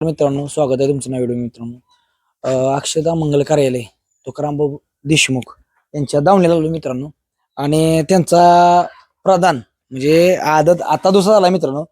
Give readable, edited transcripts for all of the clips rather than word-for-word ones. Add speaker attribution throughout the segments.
Speaker 1: मित्रांनो, स्वागत आहे तुमचं नव्या व्हिडिओ. मित्रांनो, अक्षदा मंगल कार्यालय तुकारामभाऊ देशमुख यांच्या दावणीला लागलो मित्रांनो. आणि त्यांचा प्रधान म्हणजे आदत आता दुसरा झाला मित्रांनो.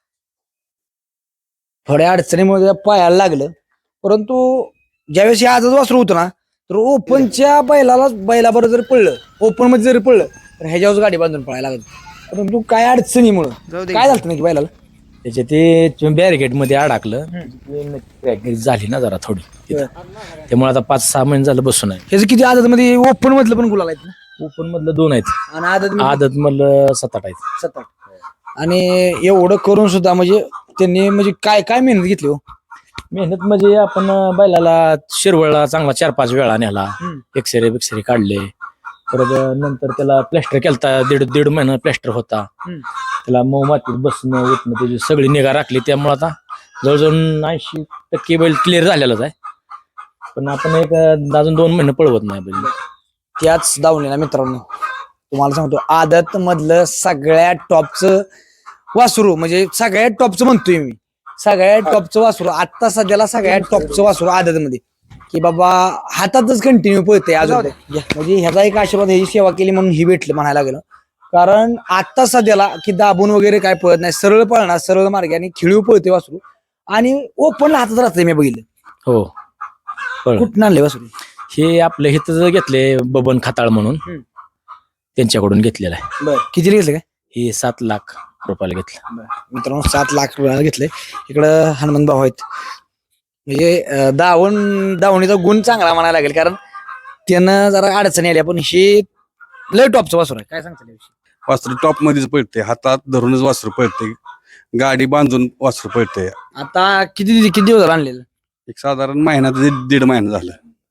Speaker 1: थोड्या अडचणीमुळे त्या पायाला लागलं, परंतु ज्यावेळेस हे आदत वासरू होतं ना, तर ओपनच्या बैलाबरोबर जर पडलं, ओपन मध्ये जरी पडलं तर ह्याच्यावर गाडी बांधून पळायला लागत. परंतु काय अडचणीमुळे काय झालं नाही की बैलाला
Speaker 2: त्याच्या ते बॅरिकेड मध्ये अडकलं, झाली ना जरा थोडी तिथं. त्यामुळे आता 5-6 महिने झालं बसून आहे.
Speaker 1: ह्याचं किती आदत मध्ये ओपन मधलं पण गुलाल आहेत ना,
Speaker 2: ओपन मधलं 2 आहेत
Speaker 1: आणि आदत
Speaker 2: आदत मधलं 7-8 आहेत.
Speaker 1: 7-8. आणि एवढं करून सुद्धा म्हणजे त्यांनी म्हणजे काय काय मेहनत घेतली हो.
Speaker 2: मेहनत म्हणजे आपण बैलाला शिरवळला चांगला 4-5 वेळा नेला, एक्सरे काढले. परत नंतर त्याला प्लॅस्टर केलता, दीड महिना प्लॅस्टर होता. त्याला मऊ मातीत बसणं उठणं त्याची सगळी निगा राखली. त्यामुळे आता जवळजवळ 80% बैल क्लिअर झालेलाच आहे. पण आपण एक अजून 2 महिने पळवत नाही बैल.
Speaker 1: त्याच दावणीला मित्रांनो तुम्हाला सांगतो, आदत मधलं सगळ्यात टॉपचं वासरू म्हणजे सगळ्यात टॉपचं म्हणतोय मी, सगळ्यात टॉपचं वासरू आता सध्याला सगळ्यात टॉपचं वासरू आदत मध्ये, की बाबा हातातच कंटिन्यू पळते अजून. म्हणजे ह्याचा एक आशीर्वाद, ह्याची सेवा केली म्हणून ही भेटलं म्हणायला लागलं. कारण आता सध्याला की दाबून वगैरे काय पळत नाही, सरळ पळणार, सरळ मार्गाने खिळीव पळते वासरू. आणि ओपनला हातात राहते मी बघितलं.
Speaker 2: हो,
Speaker 1: कुठं आणले वासरू?
Speaker 2: हे आपलं हिथं घेतले बबन खताळ म्हणून, त्यांच्याकडून घेतलेलं आहे.
Speaker 1: बरं, किती घेतलं काय?
Speaker 2: हे 7 लाख रुपयाला घेतलं.
Speaker 1: मित्रांनो 7 लाख रुपयाला घेतले. इकडं हनुमान भाऊ आहेत. म्हणजे दावणीचा गुण चांगला म्हणायला लागेल, कारण त्यानं जरा अडचणी आल्या, पण हे लय टॉपचं वासरू आहे. काय सांगता
Speaker 3: वासरू टॉप मध्येच पळते, हातात धरूनच वासरू पळते, गाडी बांधून वासरू पळते.
Speaker 1: आता किती दिवस झाला आणलेलं?
Speaker 3: एक साधारण महिना ते 1.5 महिना झालं.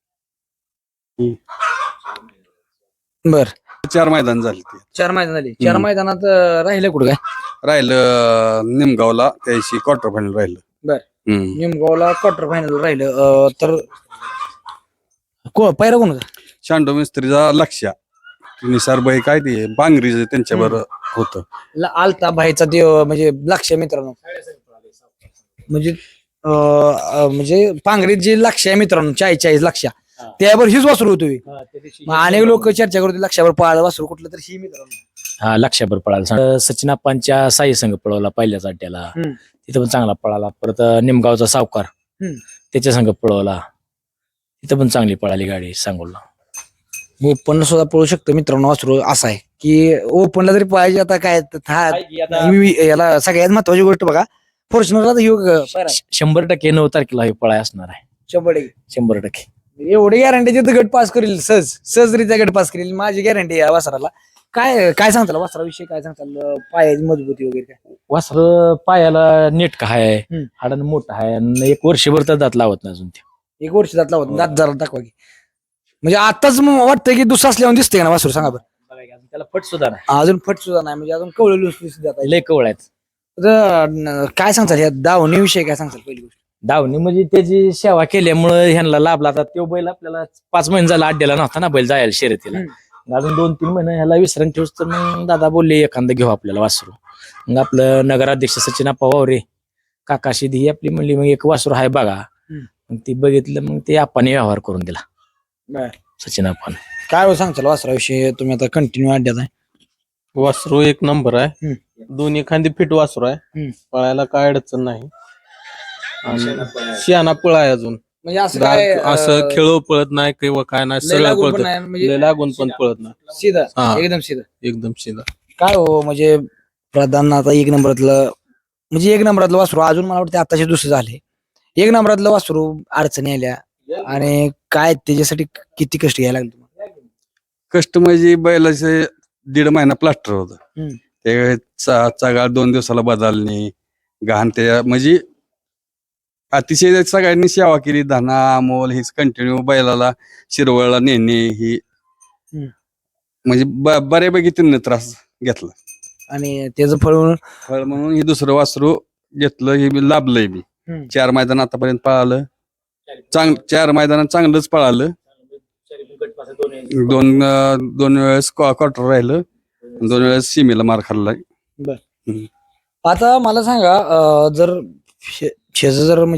Speaker 1: बर,
Speaker 3: 4 मैदान झाले ते.
Speaker 1: 4 मैदान झाली. 4 मैदानात राहिलं कुठं काय?
Speaker 3: राहिलं निमगावला त्याशी क्वार्टर फायनल राहिलं.
Speaker 1: बर, निमगावला क्वार्टर फायनल राहिलं. तर पैरा कोण होता?
Speaker 3: शांडो मिस्त्रीचा लक्ष निसारबाई काय ते बांगरीच त्यांच्याबरोबर होतं.
Speaker 1: आलता भाईचा ते म्हणजे लक्ष मित्रांनो, म्हणजे म्हणजे पांगरीत जे लक्ष आहे मित्रांनो, 40 लक्ष, त्यावर हीच वासरू होतोय. अनेक लोक चर्चा करतो लक्षावर पळालं वासरू कुठलं तर ही मित्रांनो.
Speaker 2: हा, लक्षाभर पळाला. सचिन आप्पांच्या साई संघ पळवला पहिल्याच अड्ड्याला, तिथं पण चांगला पळाला. परत निमगावचा सावकार त्याच्या संघ पळवला, तिथं पण चांगली पळाली गाडी सांगोला.
Speaker 1: ओपन सुद्धा पळू शकतो मित्रांनो वासरू. असं आहे की ओपनला जरी पाहिजे आता काय याला सगळ्यात महत्वाची गोष्ट बघा, फॉर्च्युनरला
Speaker 2: 100% 9 तारखेला हे पळाय असणार आहे. 100%.
Speaker 1: एवढी गॅरंटी गट पास करेल, सहजरित्या गट पास करेल, माझी गॅरंटी आहे वासराला. काय सांगताल वासराविषयी, काय सांगताल पायाची मजबूती वगैरे काय?
Speaker 2: वासर पायाला नीट का आहे, हाडानं मोठं आहे, आणि 1 वर्षभर तर दात लावत नाही अजून. ते
Speaker 1: 1 वर्ष दात लावत, दात जरा दाखवा की. म्हणजे आताच वाटतं की दुसरा असल्यावर दिसते ना वासरू, सांगा बरं.
Speaker 2: त्याला फट सुद्धा नाही,
Speaker 1: अजून फट सुद्धा नाही, म्हणजे अजून कवळ
Speaker 2: लय कवळ आहेत.
Speaker 1: काय सांगताल या दावणीविषयी, काय सांगताल पहिली गोष्ट?
Speaker 2: दावणी म्हणजे त्याची सेवा केल्यामुळे ह्यांना लाभला. आता तो बैल आपल्याला 5 महिने झाला अड्ड्याला नव्हता ना बैल जायला शर्यतीला. अजून 2-3 महिने ह्याला विश्रांती ठेवूस तर मग दादा बोलले एखादं घेऊ आपल्याला वासरू. मग आपलं नगराध्यक्ष सचिन आप्पा वावरे काकाशी ही आपली म्हणली मग एक वासरू आहे बघा. मग ती बघितलं, मग ते आप्पाने व्यवहार करून दिला, सचिन आप्पाने.
Speaker 1: काय सांगताल वासराविषयी? तुम्ही आता कंटिन्यू अड्ड्यात आहे.
Speaker 4: वासरू 1 नंबर आहे, दोन्ही खांदी फिट वासरू आहे, पळायला काय अडचण नाही. शियाना पळ आहे अजून,
Speaker 1: म्हणजे असं
Speaker 4: खेळ पळत नाही किंवा काय नाही, सरळ पळत, लागून पण पळत नाही,
Speaker 1: सीधा एकदम सीधा
Speaker 4: एकदम सीधा.
Speaker 1: काय हो म्हणजे प्रधान आता 1 नंबरातलं, म्हणजे 1 नंबरातलं वासरू अजून मला वाटतं आताचे दुसरे झाले. 1 नंबरातलं वासरू अडचणी आल्या, आणि काय त्याच्यासाठी किती कष्ट घ्यायला लागले तुम्हाला?
Speaker 3: कष्ट म्हणजे बैलाचे 1.5 महिना प्लास्टर होतं, ते चगाळ 2 दिवसाला बदलणे, घाण त्या म्हणजे अतिशय सगळ्यांनी सेवा केली. धना अमोल हेच कंटिन्यू बैलाला शिरवळला नेणे, ही म्हणजे बऱ्यापैकी त्यांनी त्रास घेतला.
Speaker 1: आणि त्याचं फळ
Speaker 3: म्हणून हे दुसरं वासरू घेतलं, हे लाभलंय मी. 4 मैदान आतापर्यंत पळालं, 4 मैदानात चांगलंच पळालं. 2 वेळेस क्वार्टर राहिलं, 2 वेळेस सीमेला मार खाल्लाय.
Speaker 1: बर, आता मला सांगा, जर म्हणजे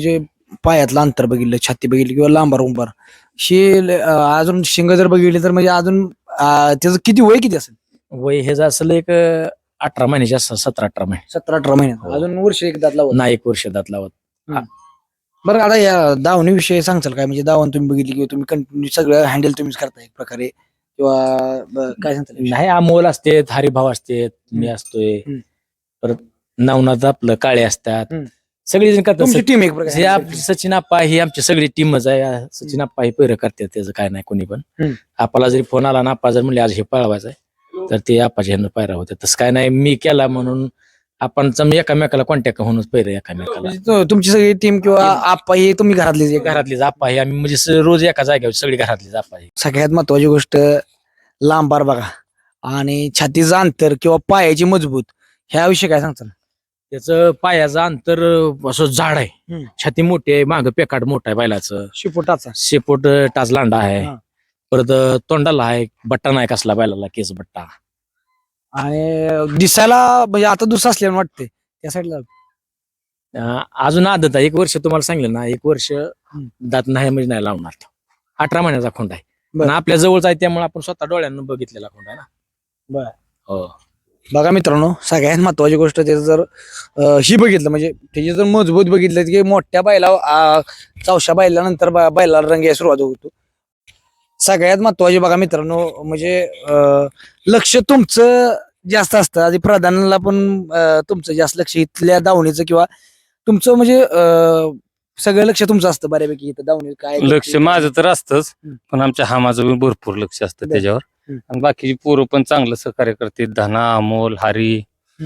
Speaker 1: पायातलं अंतर बघितलं, छाती बघितली किंवा लांबार उंबार अजून शिंग जर बघितली तर म्हणजे अजून त्याचं किती वय किती असेल?
Speaker 2: वय हे असेल एक 18 महिन्याचे असं 17-18 महिने.
Speaker 1: 17-18 महिन्यात
Speaker 2: हो.
Speaker 1: अजून वर्ष एक दात लावत.
Speaker 2: नाही, 1 वर्ष दात लावत.
Speaker 1: बरं आता या दावणी विषयी सांगचाल काय? म्हणजे दावण तुम्ही बघितली किंवा तुम्ही कंटिन्यू सगळं हँडल तुम्हीच करता एक प्रकारे किंवा काय सांगताल?
Speaker 2: नाही, अमोल असते, हरिभाव असते, मी असतोय, परत नवनाथ आपलं काळे असतात, सगळी जण करतात.
Speaker 1: तुमची टीम एक
Speaker 2: हे
Speaker 1: प्रकारे
Speaker 2: सचिन आप्पा ही आमची सगळी टीमच आहे. सचिन आप्पा ही पैर करतात, त्याचं काय नाही कोणी पण. आप्पाला जरी फोन आला ना, आप्पा जर म्हणले आज हे पळवायचं आहे तर ते आप्पाच्या ह्यानं पायरा होते. तसं काय नाही, मी केला म्हणून आपण एकामेकाला कॉन्टॅक्ट होऊनच पैर एकामेकाला.
Speaker 1: म्हणजे तुमची सगळी टीम किंवा आप्पा हे तुम्ही घरातलीच एक
Speaker 2: घरातलीच आप्पा ही आम्ही म्हणजे रोज एका जागेवर सगळी घरातलीच आप्पा ही.
Speaker 1: सगळ्यात महत्वाची गोष्ट लांबार बघा आणि छातीचं अंतर किंवा पायाची मजबूत ह्याविषयी काय सांगताल?
Speaker 2: त्याचं पायाचं अंतर असं जाड आहे, छाती मोठी आहे, मागं पेकाट मोठा आहे बैलाचं,
Speaker 1: शिपोटाचा
Speaker 2: शेपूट टाच लांडा आहे,
Speaker 1: हा.
Speaker 2: परत तोंडाला आहे बट्टा नाही कसला बैलाला, केस बट्टा.
Speaker 1: आणि दिसायला म्हणजे आता दुसरा असल्यानं वाटते त्या साईडला.
Speaker 2: अजून आदत आहे, 1 वर्ष तुम्हाला सांगितलं ना, 1 वर्ष दात नाही म्हणजे नाही लावणार तो. 18 महिन्याचा खोंड आहे, पण आपल्या जवळचा आहे त्यामुळे आपण स्वतः डोळ्यांना बघितलेला खोंड आहे ना.
Speaker 1: बरं.
Speaker 2: हो.
Speaker 1: बघा मित्रांनो, सगळ्यात महत्वाची गोष्ट त्याचं जर ही बघितलं म्हणजे त्याची जर मजबूत बघितलं की मोठ्या बैला चौशा बैलानंतर बैलाला रंग यायला सुरुवात होतो. सगळ्यात महत्वाची बघा मित्रांनो म्हणजे लक्ष तुमचं जास्त असतं. आधी प्रधानाला पण तुमचं जास्त लक्ष इथल्या दावणीचं किंवा तुमचं म्हणजे सगळं लक्ष तुमचं असतं बऱ्यापैकी इथं दावणी काय
Speaker 5: लक्ष माझं तर असतंच, पण आमच्या हामाचं भरपूर लक्ष असतं त्याच्यावर. आणि बाकीची पोरं पण चांगलं सहकार्य करते, धना, अमोल, हरी.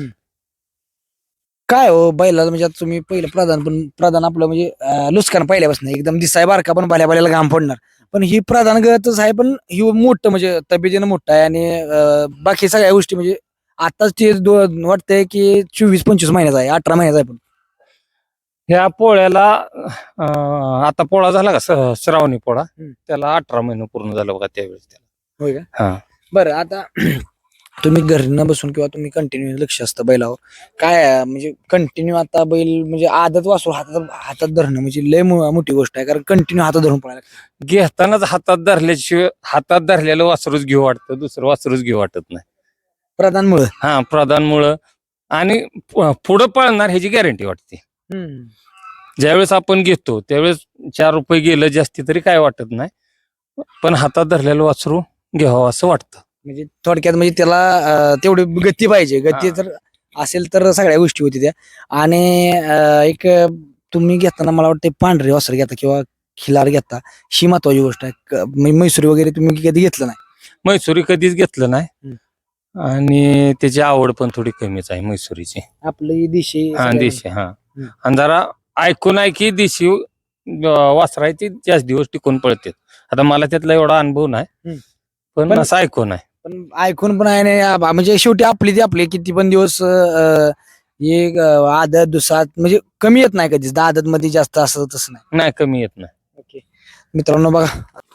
Speaker 1: काय हो बैलाला म्हणजे आता तुम्ही पहिलं प्रधान आपलं म्हणजे लुस्कान पहिल्यापासून एकदम दिसाय बारका पण भल्या घाम पडणार, पण ही प्रधान गतच आहे, पण ही मोठं म्हणजे तब्येतीनं मोठं आहे आणि बाकी सगळ्या गोष्टी म्हणजे आताच ते वाटतंय की 24-25 महिन्याचा आहे, 18 महिन्याचा आहे. पण
Speaker 5: ह्या पोळ्याला आता पोळा झाला का श्रावणी पोळा, त्याला 18 महिने पूर्ण झालं बघा त्यावेळेस त्याला.
Speaker 1: होय का?
Speaker 5: हा.
Speaker 1: बरं आता तुम्ही घरी न बसून किंवा तुम्ही कंटिन्यू लक्ष असतं बैलावर काय म्हणजे कंटिन्यू आता बैल म्हणजे आदत वासरू हातात धरणं म्हणजे लय मोठी गोष्ट आहे, कारण कंटिन्यू हातात धरून पळायला लागतं.
Speaker 5: घेतानाच हातात धरल्याशिवाय हातात धरलेलं वासरूच घेऊ वाटतं, दुसरं वासरूच घेऊ वाटत नाही.
Speaker 1: प्रधानमुळं
Speaker 5: हा, प्रधानमुळं आणि पुढं पळणार ह्याची गॅरंटी वाटते. ज्यावेळेस आपण घेतो त्यावेळेस 4 रुपये गेलं जास्ती तरी काय वाटत नाही, पण हातात धरलेलं वासरू घ्यावं असं वाटतं.
Speaker 1: म्हणजे थोडक्यात म्हणजे त्याला तेवढी गती पाहिजे, गती जर असेल तर सगळ्या गोष्टी होती त्या. आणि एक तुम्ही घेताना मला वाटतं पांढरे वासर घेता किंवा खिलार घेता, ही महत्वाची गोष्ट आहे. मैसुरी वगैरे तुम्ही कधी घेतलं नाही?
Speaker 5: मैसुरी कधीच घेतलं नाही आणि त्याची आवड पण थोडी कमीच आहे मैसुरीची.
Speaker 1: आपली दिशी
Speaker 5: हा, देशी. हा, आणि जरा ऐकून आहे की देशी वासरायची जास्त दिवस टिकून पळते. आता मला त्यातला एवढा अनुभव नाही, पण असं ऐकून आहे.
Speaker 1: पण ऐकून पण आहे ना, म्हणजे शेवटी आपली किती पण दिवस एक आदत दुसरा म्हणजे कमी येत नाही कधीच, आदत मध्ये जास्त असं तसं नाही.
Speaker 5: नाही, कमी येत नाही.
Speaker 1: ओके मित्रांनो बघा